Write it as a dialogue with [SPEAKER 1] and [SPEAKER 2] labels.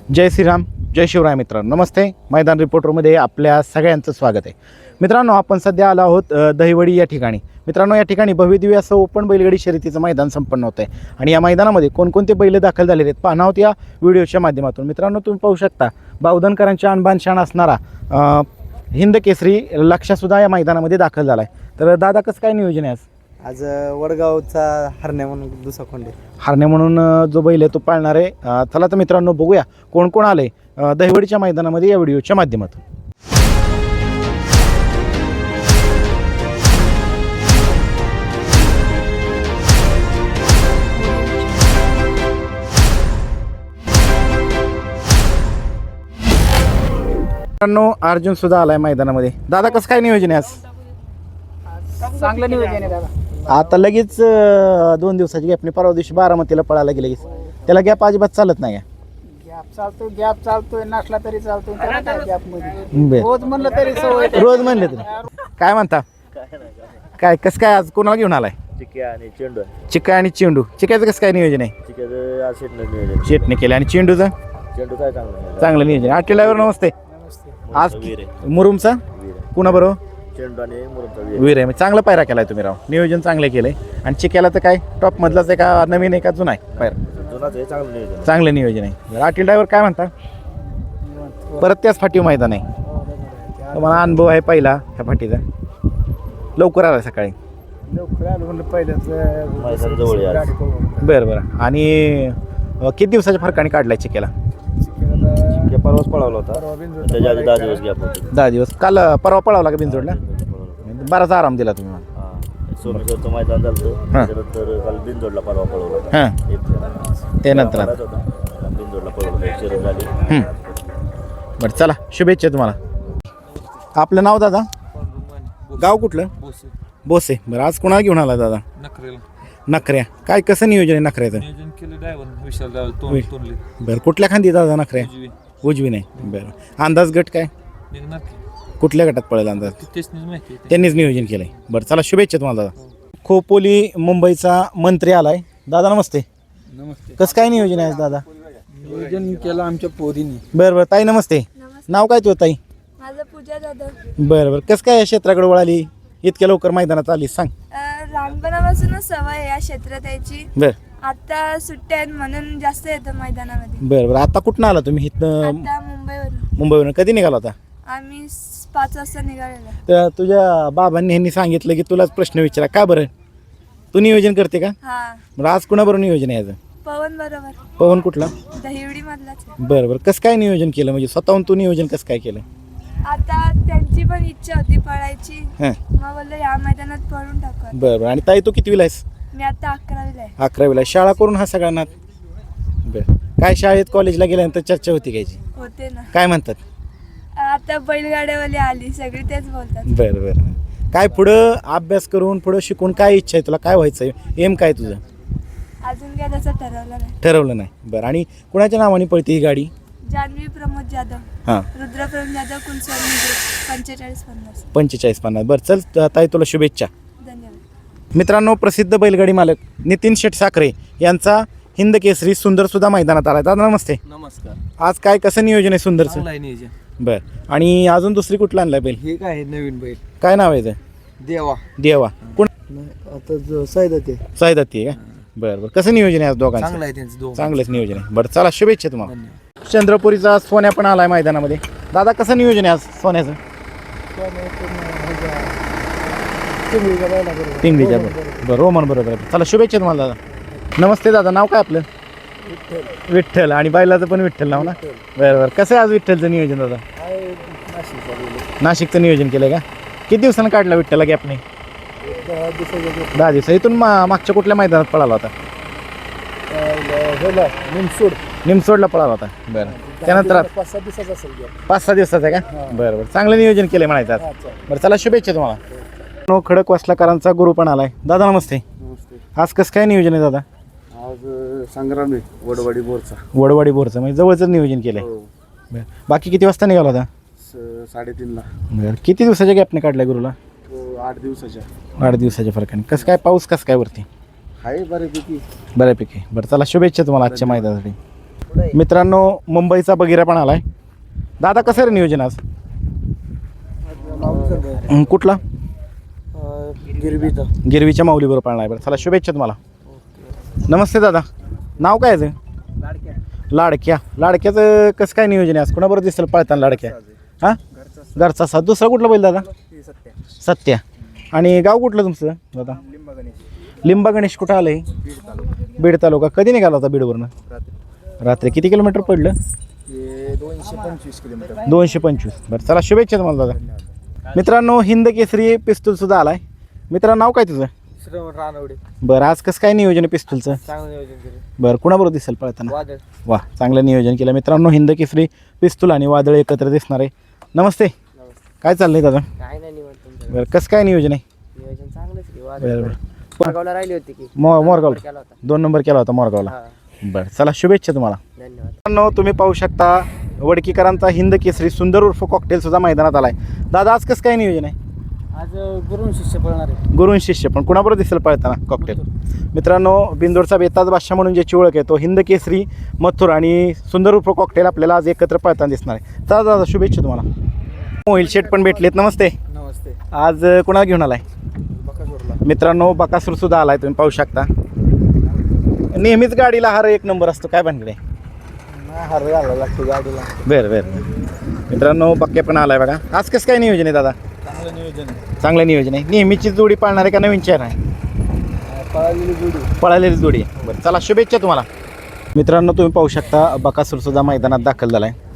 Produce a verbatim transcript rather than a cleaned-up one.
[SPEAKER 1] जय श्रीराम, जय शिवराय. मित्रांनो नमस्ते. मैदान रिपोर्टरमध्ये आपल्या सगळ्यांचं स्वागत आहे. मित्रांनो आपण सध्या आलो आहोत दहिवडी या ठिकाणी. मित्रांनो या ठिकाणी भव्यदिव्य असं ओपन बैलगाडी शर्यतीचं मैदान संपन्न होतं आहे आणि या मैदानामध्ये कोणकोणते बैल दाखल झालेले आहेत पाहणार आहोत या व्हिडिओच्या माध्यमातून. मित्रांनो तुम्ही पाहू शकता बावधनकरांच्या अनबान शान असणारा हिंद केसरी लक्षासुद्धा या मैदानामध्ये दाखल झाला आहे. तर दादा कसं काय नियोजन आहे आज?
[SPEAKER 2] आज वडगावचा हरण्या म्हणून दुसरा खोंडे
[SPEAKER 1] हरण्या म्हणून जो बैल आहे तो पाळणार आहे. चला तर मित्रांनो बघूया कोण कोण आले दहिवडीच्या मैदानामध्ये या व्हिडिओच्या माध्यमातून. मित्रांनो अर्जुन सुद्धा आलाय मैदानामध्ये. दादा कसं काय नियोजन आहे आज?
[SPEAKER 2] चांगलं नियोजन आहे दादा.
[SPEAKER 1] आता लगेच दोन दिवसाची गॅपने परवा दिवशी बारामतीला पळायला गेले लगेच. त्याला गॅप अजिबात चालत नाही.
[SPEAKER 2] गॅप चालतोय गॅप चालतोय नसला तरी चालतोय गॅप मध्ये
[SPEAKER 1] बर
[SPEAKER 2] रोज म्हणलं तरी सवय.
[SPEAKER 1] रोज म्हणले तुम्ही काय म्हणता? काय कसं काय आज कोणाला घेऊन आलाय?
[SPEAKER 3] चिक्या आणि चेंडू
[SPEAKER 1] चिक्का आणि चेंडू. चिक्याचं कसं काय नियोजन आहे?
[SPEAKER 3] चिक्याचं आज शेटनं नियोजन
[SPEAKER 1] शेटने केलं आणि चेंडूचं
[SPEAKER 3] चेंडू काय चांगलं
[SPEAKER 1] चांगलं नियोजन. आठ ड्रायव्हर नमस्ते. आज
[SPEAKER 3] वीर आहे
[SPEAKER 1] मुरुमचा
[SPEAKER 3] वीर आहे.
[SPEAKER 1] कुणा बरोबर?
[SPEAKER 3] चेंडू आणि मुरुमचा वीर
[SPEAKER 1] वीर आहे. म्हणजे चांगला पायरा केलाय तुम्ही राव. नियोजन चांगलं केलंय. आणि चिक्याला तर काय टॉप मधलाच आहे का नवीन आहे का जुना आहे पायरा?
[SPEAKER 3] जुनाच आहे चांगलं नियोजन.
[SPEAKER 1] चांगलं नियोजन आहे. आटील ड्रायव्हर काय म्हणता? परत त्याच फाटीव मैदान आहे. तुम्हाला अनुभव आहे पहिला ह्या फाटीचा. लवकर आला सकाळी.
[SPEAKER 2] लवकर आलो म्हणलं पहिल्याच
[SPEAKER 3] मैदान जवळ आहे आज.
[SPEAKER 1] बरं बरं. आणि अं, किती दिवसाच्या फरकाने काढलाय चिक्याला?
[SPEAKER 3] चिक्या परवाच पळवला होता त्याच्या आधी दहा दिवस गॅप होते.
[SPEAKER 1] दहा दिवस. काल अं, परवा पळावला का बिनजोडला? बराच आराम दिला तुम्ही मला.
[SPEAKER 3] हां सोमेश्वरचं मैदान झालं त्याच्यानंतर काल बिनजोडला परवा पळवला.
[SPEAKER 1] हां त्यानंतर आता
[SPEAKER 3] बिनजोडला पळवलं शर्यत झाली.
[SPEAKER 1] हं. बरं चला शुभेच्छा तुम्हाला. आपलं नाव दादा? गाव कुठलं? बोसे. बरं आज कोणाला घेऊन आला दादा?
[SPEAKER 4] नखरेला
[SPEAKER 1] नखऱ्या. काय कसं नियोजन आहे नखऱ्याचं?
[SPEAKER 4] नियोजन केलं ड्रायव्हर विशाल ड्रायव्हर
[SPEAKER 1] होय.
[SPEAKER 4] तोंड तोंडले
[SPEAKER 1] बरं कुठल्या खांदी दादा नखऱ्या?
[SPEAKER 4] उजवी
[SPEAKER 1] उजवी नाही. बरं अंदाज गट काय
[SPEAKER 4] निघणार की
[SPEAKER 1] कुठल्या गटात पडेल अंदाज?
[SPEAKER 4] ती तेच माहिती आहे.
[SPEAKER 1] त्यांनीच नियोजन केलंय. बरं चला शुभेच्छा तुम्हाला दादा. खोपोली मुंबईचा मंत्री आलाय. दादा नमस्ते.
[SPEAKER 2] नमस्ते.
[SPEAKER 1] कसं काय नियोजन आहे आज दादा?
[SPEAKER 2] नियोजन केलं आमच्या पोरीने.
[SPEAKER 1] बरं बरं ताई नमस्ते. नाव काय तुझं ताई?
[SPEAKER 5] माझं पूजा जाधव.
[SPEAKER 1] बरं बरं कसं काय या क्षेत्राकडे वळाली इतक्या लवकर मैदानात आली सांग.
[SPEAKER 5] अं, लहानपणापासूनच सवय आहे या क्षेत्रात यायची.
[SPEAKER 1] बरं
[SPEAKER 5] आता सुट्ट्या आहेत म्हणून जास्त येतं मैदानामध्ये.
[SPEAKER 1] बरं बरं. आता कुठनं आला तुम्ही इथनं?
[SPEAKER 5] आता मुंबईवरून
[SPEAKER 1] मुंबईवरून. कधी निघाला होता?
[SPEAKER 5] आम्ही स- पाच वाजता निघालेलो.
[SPEAKER 1] तर तुझ्या बाबांनी ह्यांनी सांगितलं की तुलाच प्रश्न विचारा. का बरं तू नियोजन करते का?
[SPEAKER 5] हा
[SPEAKER 1] बरं आज कुणाबरोबर नियोजन आहे याचं?
[SPEAKER 5] पवन बरोबर
[SPEAKER 1] पवन कुठला?
[SPEAKER 5] दहिवडी मधलाच आहे.
[SPEAKER 1] बरं बरं. कसं काय नियोजन केलं म्हणजे स्वतःहून तू नियोजन कसं काय केलं?
[SPEAKER 5] आता त्यांची पण इच्छा होती पळायची.
[SPEAKER 1] हां
[SPEAKER 5] मग बोललो या मैदानात पळून टाकू.
[SPEAKER 1] बरं बरं. आणि ताई तू कितवीला आहेस?
[SPEAKER 5] मी आता अकरावीला आहे.
[SPEAKER 1] अकरावीला. शाळा करून हा सगळ्यांना बरं. काय शाळेत कॉलेजला गेल्यानंतर चर्चा होती घ्यायची
[SPEAKER 5] होते ना.
[SPEAKER 1] काय म्हणतात?
[SPEAKER 5] आता बैलगाड्यावाली आली सगळी तेच बोलतात.
[SPEAKER 1] बरं बरं. काय पुढं अभ्यास करून पुढं शिकून काय इच्छा आहे तुला? काय व्हायचं आहे? एम काय तुझं?
[SPEAKER 5] अजून काय त्याचं ठरवलं नाही.
[SPEAKER 1] ठरवलं नाही. बरं. आणि कुणाच्या नावाने पळते ही गाडी?
[SPEAKER 5] जान्हवी प्रमोद जाधव,
[SPEAKER 1] हां
[SPEAKER 5] रुद्र प्रमोद जाधव, कुलस्वामी पंचेचाळीस पन्नास.
[SPEAKER 1] पंचेचाळीस पन्नास. बरं चल त- ताई तुला शुभेच्छा.
[SPEAKER 5] धन्यवाद.
[SPEAKER 1] मित्रांनो प्रसिद्ध बैलगाडी मालक नितीन शेठ साखरे यांचा हिंद केसरी सुंदर सुद्धा मैदानात आला. दादा नमस्ते.
[SPEAKER 4] नमस्कार.
[SPEAKER 1] आज काय कसं नियोजन आहे सुंदरचं?
[SPEAKER 4] चांगलं आहे नियोजन.
[SPEAKER 1] बरं. आणि अजून दुसरी कुठला आणलाय बैल?
[SPEAKER 2] हे काय आहे नवीन बैल
[SPEAKER 1] काय नाव आहे त्याचं?
[SPEAKER 2] देवा.
[SPEAKER 1] देवा. कोण?
[SPEAKER 2] आता सायदा ते
[SPEAKER 1] सायदाती आहे का? बरं बरं. कसं नियोजन आहे आज दोघांचं?
[SPEAKER 4] चांगलं आहे त्यांचं दोन.
[SPEAKER 1] चांगलंच नियोजन आहे. बरं चला शुभेच्छा तुम्हाला.
[SPEAKER 4] धन्यवाद.
[SPEAKER 1] चंद्रपुरीचा सोन्या पण आलाय मैदानामध्ये. दादा कसं नियोजन आहे आज सोन्याचं? पिंगळीच्या बरोबर. बरं रोमन बरोबर आहे. चला शुभेच्छा तुम्हाला दादा. नमस्ते दादा. नाव काय आपलं? विठ्ठल. आणि बैलाचं पण विठ्ठल नाव ना? बरं बरं. कसं आहे आज विठ्ठलचं नियोजन दादा? नाशिकचं नियोजन केलं का? किती दिवसानं काढला विठ्ठला गॅपने? दहा दिवस. इथून मा मागच्या कुठल्या मैदानात पळाला होता?
[SPEAKER 2] निमसोड
[SPEAKER 1] निमसोडला पळाला होता. बरं. त्यानंतर
[SPEAKER 2] पाच सात दिवसाचा असेल गॅप.
[SPEAKER 1] पाच सहा दिवसाचं आहे का? बरं बरं. चांगलं नियोजन केलं म्हणायचं आज. बरं चला शुभेच्छा तुम्हाला. नो खडक वासलाकरांचा गुरु पण आलाय. दादा नमस्ते.
[SPEAKER 2] नमस्ते.
[SPEAKER 1] आज कसं काय नियोजन आहे दादा?
[SPEAKER 2] आज संग्राम आहे वडवाडी बोरचा.
[SPEAKER 1] वडवाडी बोरचं म्हणजे जवळचं नियोजन केलंय. बरं. बाकी किती वाजता निघाला होता?
[SPEAKER 2] साडेतीनला.
[SPEAKER 1] बरं. किती दिवसाच्या गॅपने काढलाय गुरुला?
[SPEAKER 2] आठ दिवसाच्या.
[SPEAKER 1] आठ दिवसाच्या फरकाने. कसं काय पाऊस कसं काय वरती?
[SPEAKER 2] आहे बऱ्यापैकी.
[SPEAKER 1] बऱ्यापैकी. बरं चला शुभेच्छा तुम्हाला आजच्या मैदानासाठी. मित्रांनो मुंबईचा बगिरा पण आलाय. दादा कसं रे नियोजन आज? हं, कुठला?
[SPEAKER 2] गिरबीचा
[SPEAKER 1] गिरवीच्या माऊलीबरोबर पाळणार आहे. बरं चला शुभेच्छा तुम्हाला. नमस्ते दादा, नाव काय आहे? लाडक्या. लाडक्याचं कसं काय नियोजन आहे आज? कोणाबरोबर दिसेल पळताना लाडक्या? हां घरचा साथ. दुसरा कुठला बैल दादा? सत्या. आणि गाव कुठलं तुमचं दादा? लिंबा गणेश. कुठं आलं आहे? बीड तालुका. कधी निघाला होता बीडवरनं? रात्री. किती किलोमीटर पडलं?
[SPEAKER 2] दोनशे पंचवीस किलोमीटर.
[SPEAKER 1] दोनशे पंचवीस. बरं चला शुभेच्छा तुम्हाला दादा. मित्रांनो हिंद केसरी पिस्तूल सुद्धा आलाय. मित्रांनो नाव काय तुझं?
[SPEAKER 2] श्रवण रानवडे.
[SPEAKER 1] बरं आज कसं काय नियोजन आहे पिस्तूलचं?
[SPEAKER 2] चांगलं नियोजन केलं.
[SPEAKER 1] बरं कुणाबरोबर दिसेल पळताना?
[SPEAKER 2] वादळ.
[SPEAKER 1] वा चांगलं नियोजन केलं. मित्रांनो हिंद केसरी पिस्तूल आणि वादळ एकत्र दिसणार आहे. नमस्ते, काय चाललंय दादा?
[SPEAKER 2] काय नाही निवड तुमचं
[SPEAKER 1] बरं कसं काय नियोजन आहे?
[SPEAKER 2] नियोजन चांगलंच की.
[SPEAKER 1] बरं बरं.
[SPEAKER 2] वादळ राहिली होती की
[SPEAKER 1] मो मोरगावला
[SPEAKER 2] केला होता.
[SPEAKER 1] दोन नंबर केला होता मोरगावला. बरं चला शुभेच्छा तुम्हाला.
[SPEAKER 2] धन्यवाद.
[SPEAKER 1] मित्रांनो तुम्ही पाहू शकता वडकीकरांचा हिंद केसरी सुंदर उर्फ कॉकटेल सुद्धा मैदानात आलाय. दादा आज कसं काय नियोजन आहे?
[SPEAKER 2] आज गुरुन शिष्य पळणार आहे.
[SPEAKER 1] गुरुन शिष्य पण कुणाबरोबर दिसेल पळताना कॉकटेल? मित्रांनो बिंदोरचा बेताज बादशाह म्हणून ज्याची ओळख आहे तो हिंद केसरी मथुर आणि सुंदर उर्फ कॉकटेल आपल्याला आज एकत्र पळताना दिसणार आहे. चला दादा शुभेच्छा तुम्हाला. मोहिल शेठ पण भेटलेत. नमस्ते.
[SPEAKER 2] नमस्ते.
[SPEAKER 1] आज कुणाला घेऊन आलाय?
[SPEAKER 2] बकासूरला.
[SPEAKER 1] मित्रांनो बकासूर सुद्धा आलाय, तुम्ही पाहू शकता. नेहमीच गाडीला हार एक नंबर असतो, काय भानगडे?
[SPEAKER 2] हार घालायला लागतो गाडीला.
[SPEAKER 1] बरं बरं. मित्रांनो बक्के पण आलाय बघा. आज कसं काय नियोजन आहे दादा?
[SPEAKER 2] चांगलं नियोजन आहे.
[SPEAKER 1] चांगलं नियोजन आहे. नेहमीची जोडी पाळणार आहे का नवीन चेहरा आहे?
[SPEAKER 2] पळालेली जोडी.
[SPEAKER 1] पळालेली जोडी आहे. बरं चला शुभेच्छा तुम्हाला. मित्रांनो तुम्ही पाहू शकता बकासूर सुद्धा मैदानात दाखल झाला आहे.